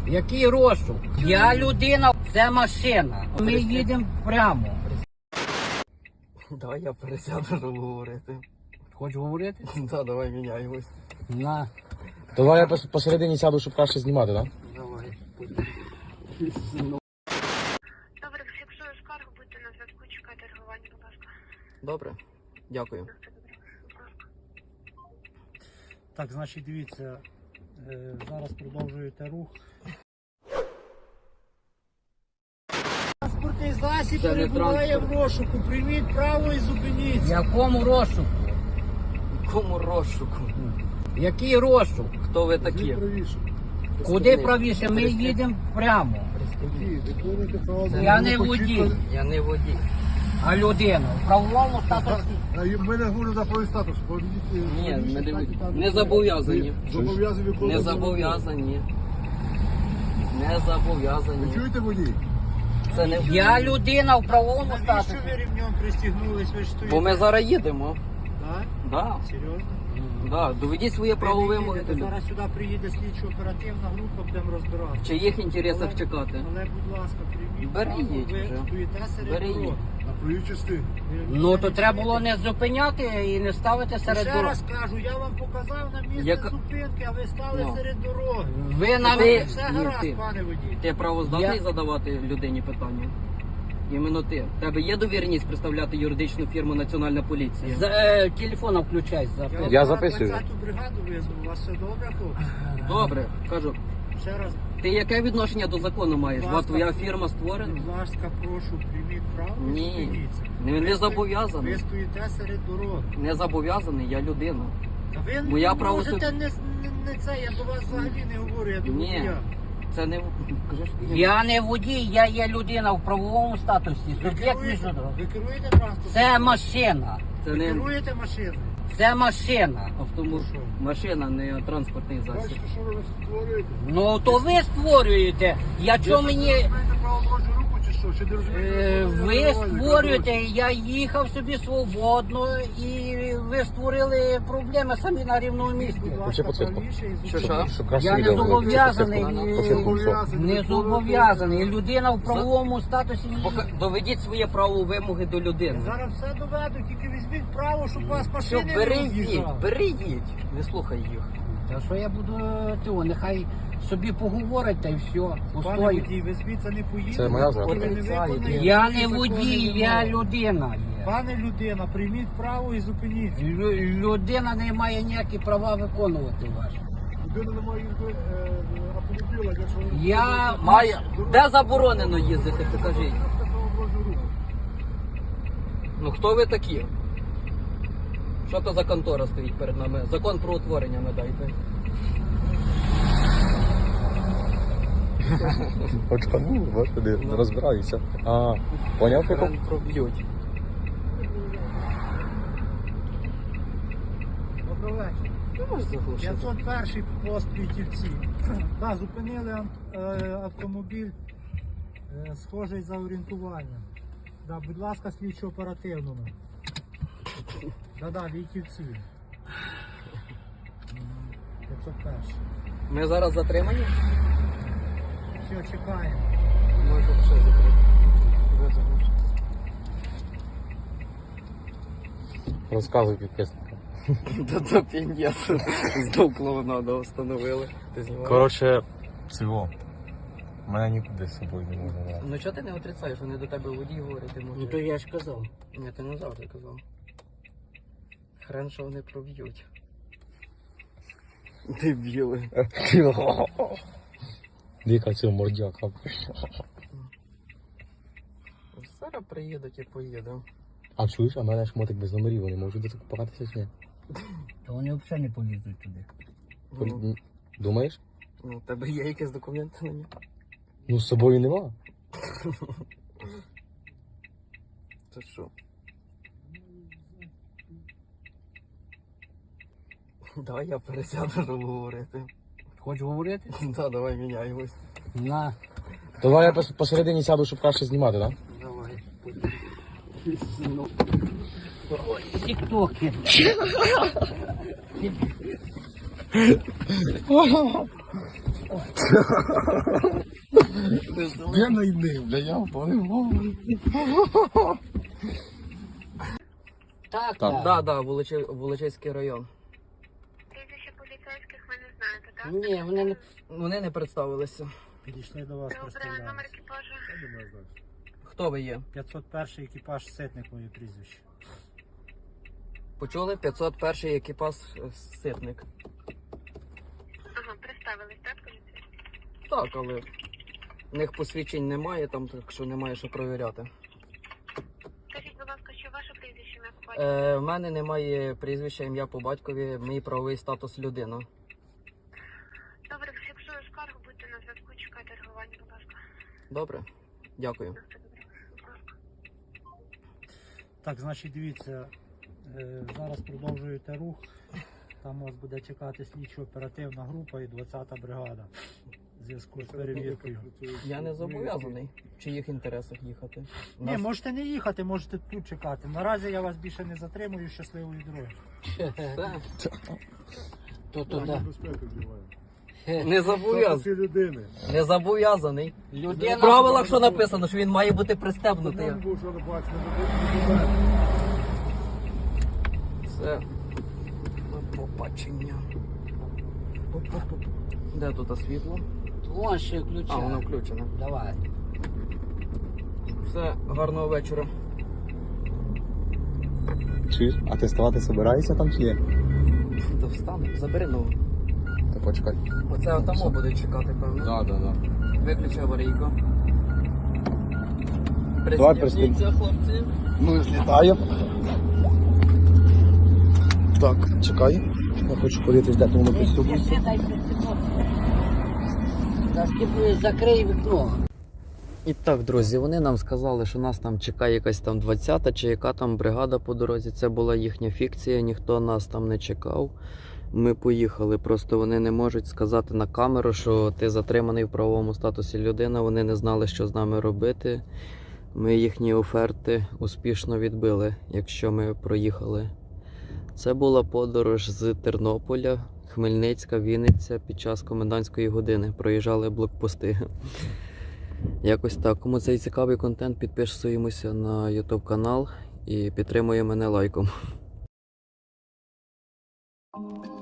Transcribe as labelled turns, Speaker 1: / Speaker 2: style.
Speaker 1: Який розшук? Я людина, це машина. Ми їдемо прямо.
Speaker 2: Давай я пересяду, щоб говорити.
Speaker 1: Хочеш говорити?
Speaker 2: Так, давай міняємось.
Speaker 1: На.
Speaker 3: Давай я посередині сяду, щоб краще знімати, так?
Speaker 2: Давай.
Speaker 4: Добре, фіксую скаргу, будьте на зв'язку, чекайте реагування, будь ласка.
Speaker 2: Добре, дякую.
Speaker 5: Так, значить, дивіться, зараз продовжуєте рух. Транспортний засіб
Speaker 2: Це не
Speaker 5: перебуває в
Speaker 2: транспорт.
Speaker 5: розшуку. Прийміть право і зупиніться.
Speaker 1: Якому розшуку?
Speaker 2: Кому розшуку?
Speaker 1: Який розшук?
Speaker 2: Хто ви такі?
Speaker 1: Куди правіше? Ми їдемо прямо. Я не водій,
Speaker 2: Я не водій.
Speaker 1: а людина. В правовому статусі.
Speaker 6: Ми не говоримо за правий статус.
Speaker 2: Ні, ми не водій. Не зобов'язані.
Speaker 6: Зобов'язані
Speaker 2: Не
Speaker 6: виконувати.
Speaker 2: зобов'язані. Не
Speaker 6: Ви
Speaker 2: зобов'язані.
Speaker 6: чуєте, водій?
Speaker 2: Це не
Speaker 1: Я людина в правовому
Speaker 5: Навіщо
Speaker 1: статусі.
Speaker 5: ви рівнем пристігнулись? Ви ж стоїте?
Speaker 2: Бо ми зараз їдемо.
Speaker 5: Так?
Speaker 2: Да,
Speaker 5: Серйозно?
Speaker 2: да. Доведіть своє право
Speaker 5: Ви не
Speaker 2: вимоги.
Speaker 5: їдете,
Speaker 2: до людей.
Speaker 5: зараз сюди приїде слідчо-оперативна група, будемо розбирати.
Speaker 2: В чиїх інтересах чекати?
Speaker 5: Але, будь ласка, прийміть
Speaker 2: Бери
Speaker 5: право,
Speaker 2: їдь
Speaker 5: ви
Speaker 2: вже.
Speaker 5: стоїте серед
Speaker 2: Бери
Speaker 5: дороги.
Speaker 2: їдь.
Speaker 6: На правій частині.
Speaker 1: Ну то треба було не зупиняти і не ставити серед
Speaker 5: Ще
Speaker 1: дороги.
Speaker 5: раз кажу, я вам показав на місце
Speaker 2: Яка-
Speaker 5: зупинки, а ви стали
Speaker 2: Ну.
Speaker 5: серед дороги.
Speaker 1: Ви на
Speaker 2: Ти-
Speaker 5: Все
Speaker 2: ні,
Speaker 5: гаразд,
Speaker 2: ти.
Speaker 5: пане водій.
Speaker 2: Ти правоздатний
Speaker 1: Я-
Speaker 2: задавати людині питання? Іменно ти. В тебе є довіреність представляти юридичну фірму Національна поліція?
Speaker 1: Телефона включай.
Speaker 3: Я
Speaker 5: вам
Speaker 3: записую.
Speaker 5: 20-ту бригаду визвав, у вас все добре, хлопці?
Speaker 2: Добре, кажу.
Speaker 5: Ще раз,
Speaker 2: Ти яке відношення до закону маєш?
Speaker 5: Будь
Speaker 2: Ва
Speaker 5: ласка.
Speaker 2: твоя фірма створена?
Speaker 5: будь ласка, прошу, прийміть право і
Speaker 2: Ні.
Speaker 5: зупиніться.
Speaker 2: Не зобов'язаний.
Speaker 5: Ви стоїте серед дороги.
Speaker 2: Не зобов'язаний, я людина.
Speaker 5: Та ви
Speaker 2: Моя
Speaker 5: не
Speaker 2: право
Speaker 5: можете
Speaker 2: суд-
Speaker 5: не це, я до вас взагалі не говорю, я до
Speaker 2: Ні.
Speaker 5: водія.
Speaker 2: Це не кажеш,
Speaker 1: Я не водій, я є людина в правовому статусі.
Speaker 5: Ви
Speaker 1: Суб'єкт міжнародного.
Speaker 5: керуєте транспортом?
Speaker 1: Це машина.
Speaker 2: це
Speaker 5: Ви
Speaker 2: не
Speaker 5: керуєте машиною?
Speaker 1: Це машина.
Speaker 2: автомобіль. Машина, не транспортний засіб.
Speaker 6: Бачите, що ви створюєте?
Speaker 1: Ну то ви створюєте. Я чого мені.
Speaker 6: Ви знаєте право дорожнього руху чи що? Чи не розумієте?
Speaker 1: Ви створюєте, я їхав собі свободно і ви створили проблеми самі на рівному місці.
Speaker 5: Будь
Speaker 3: Вообще
Speaker 5: ласка,
Speaker 3: підсвітка.
Speaker 5: правіше і
Speaker 2: Що,
Speaker 5: зупиніться.
Speaker 3: Щоб краще
Speaker 1: Я не
Speaker 3: відео було.
Speaker 1: зобов'язаний.
Speaker 3: Підсвітку.
Speaker 1: Не зобов'язаний. Людина в правовому статусі.
Speaker 2: Доведіть своє право вимоги до людини.
Speaker 5: Зараз все доведу, тільки візьміть право, щоб вас
Speaker 2: Що,
Speaker 5: машини не
Speaker 2: бери їдь,
Speaker 5: роз'їжджали.
Speaker 2: бери їдь. Не слухай їх.
Speaker 1: Та що я буду того, нехай собі поговорить та й все.
Speaker 5: Пане
Speaker 1: Пустою.
Speaker 5: водій, ви звідси не поїдете.
Speaker 3: Це моя
Speaker 5: поки ви не
Speaker 2: зарплата.
Speaker 5: виконаєте
Speaker 1: Я
Speaker 5: всі
Speaker 1: не
Speaker 5: закони
Speaker 1: водій, я
Speaker 5: вимоги.
Speaker 1: людина є.
Speaker 5: Пане людина, прийміть право і зупиніться.
Speaker 1: Людина не має ніякі права виконувати ваші.
Speaker 6: Людина не має їздити автомобіля, якщо ви...
Speaker 1: Я
Speaker 2: Має. Де заборонено їздити, покажіть.
Speaker 6: Право дорожнього руху.
Speaker 2: Ну хто ви такі? Що то за контора стоїть перед нами? Закон про утворення надайте.
Speaker 3: Очкану, господи, не розбираюся. А, поняв прикол?
Speaker 2: Хрен проб'ють.
Speaker 5: Добрий вечір.
Speaker 2: Ти можеш заглушити?
Speaker 5: 501 пост Вітівці. Так, зупинили автомобіль, схожий за орієнтуванням. Да, будь ласка, слідчо оперативному. Да, Вітівці. 501.
Speaker 2: Ми зараз затримані?
Speaker 5: Все, чекаємо.
Speaker 2: Може ще закрити. Ви заглушите.
Speaker 3: Розказуй підписникам.
Speaker 2: Та то пін'єт. Знов клоунаду встановили. Ти знімаєш?
Speaker 3: Коротше, всього. Мене нікуди з собою не можна брати.
Speaker 2: Ну чого ти не отрицаєш? Вони до тебе водій говорять, ти
Speaker 1: Ну
Speaker 2: можеш.
Speaker 1: то я ж казав.
Speaker 2: Ні, ти не завжди казав. Хрен, що вони проб'ють. Дебіли.
Speaker 3: Дика цього мордяка.
Speaker 2: Зараз приїдуть і поїдемо.
Speaker 3: А чуєш, а в мене ж мотик без номерів, вони можуть докупатися чи ні?
Speaker 1: То вони взагалі не полізуть туди.
Speaker 2: Ну,
Speaker 3: Думаєш?
Speaker 2: у тебе є якісь документи на нього?
Speaker 3: Ну з собою нема.
Speaker 2: Це що? Давай я пересяду, щоб говорити.
Speaker 1: Хочеш говорити?
Speaker 2: Так, давай міняємось.
Speaker 1: На.
Speaker 3: Давай я посередині сяду, щоб краще знімати, так?
Speaker 2: Давай.
Speaker 1: Тіктоки.
Speaker 3: Я найди, бля, я впливав.
Speaker 1: Так,
Speaker 3: Так.
Speaker 1: так.
Speaker 2: Да, Волочиський район.
Speaker 4: Прізвище поліцейських ви не знаєте, так?
Speaker 1: Ні,
Speaker 2: Вони не представилися.
Speaker 5: Підійшли до вас,
Speaker 4: Добре, номер
Speaker 5: представлялися.
Speaker 4: екіпажу.
Speaker 6: Я думаю, знаєш.
Speaker 2: Хто ви є?
Speaker 5: 501 екіпаж Ситник, моє прізвище.
Speaker 2: Почули? 501 екіпаж Ситник.
Speaker 4: Ага, представились, так, поліцейські?
Speaker 2: Так, але в них посвідчень немає, там так що немає що провіряти.
Speaker 4: Скажіть, будь ласка, що ваше прізвище ім'я по батькові?
Speaker 2: В мене немає прізвища, ім'я по батькові, мій правовий статус людина.
Speaker 4: Добре, фіксую скаргу, будьте на зв'язку, чекайте реагування, будь ласка.
Speaker 2: Добре? Дякую.
Speaker 4: На все добре. Будь ласка.
Speaker 5: Так, значить, дивіться, зараз продовжуєте рух. Там вас буде чекати слідчо-оперативна група і 20-та бригада в зв'язку з перевіркою.
Speaker 2: Я не зобов'язаний в чиїх інтересах їхати.
Speaker 5: Ні, можете не їхати, можете тут чекати. Наразі я вас більше не затримую. Щасливої дороги.
Speaker 2: Все.
Speaker 1: То
Speaker 6: Правила
Speaker 1: да.
Speaker 6: безпеки вживає.
Speaker 2: Не зобов'язаний.
Speaker 6: Статусі людини.
Speaker 2: Не зобов'язаний.
Speaker 1: Людина...
Speaker 2: В правилах що написано, що він має бути пристебнутий.
Speaker 6: Нам був, що не бачили, не буде.
Speaker 2: Все. До побачення. Де тут світло?
Speaker 1: Вон ще ключа.
Speaker 2: А, воно включене.
Speaker 1: Давай.
Speaker 2: Все, гарного вечора.
Speaker 3: Чуєш? А ти ставати собираєшся там чи є?
Speaker 2: Та встане, забери ногу.
Speaker 3: Та почекай.
Speaker 2: Оце отамо буде чекати, певно.
Speaker 3: Да.
Speaker 2: Виключи аварійку.
Speaker 3: Давай
Speaker 2: Пристібніться, хлопці.
Speaker 3: Ну, злітає. Так, чекай. Я хочу подивитись, де воно приступиться.
Speaker 1: Дай закрий вікно.
Speaker 2: І так, друзі, вони нам сказали, що нас там чекає якась там 20-та чи яка там бригада по дорозі. Це була їхня фікція, ніхто нас там не чекав. Ми поїхали, просто вони не можуть сказати на камеру, що ти затриманий в правовому статусі людина. Вони не знали, що з нами робити. Ми їхні оферти успішно відбили, якщо ми проїхали. Це була подорож з Тернополя, Хмельницька, Вінниця під час комендантської години. Проїжджали блокпости. Якось так. Кому цей цікавий контент, підписуємося на YouTube канал і підтримує мене лайком.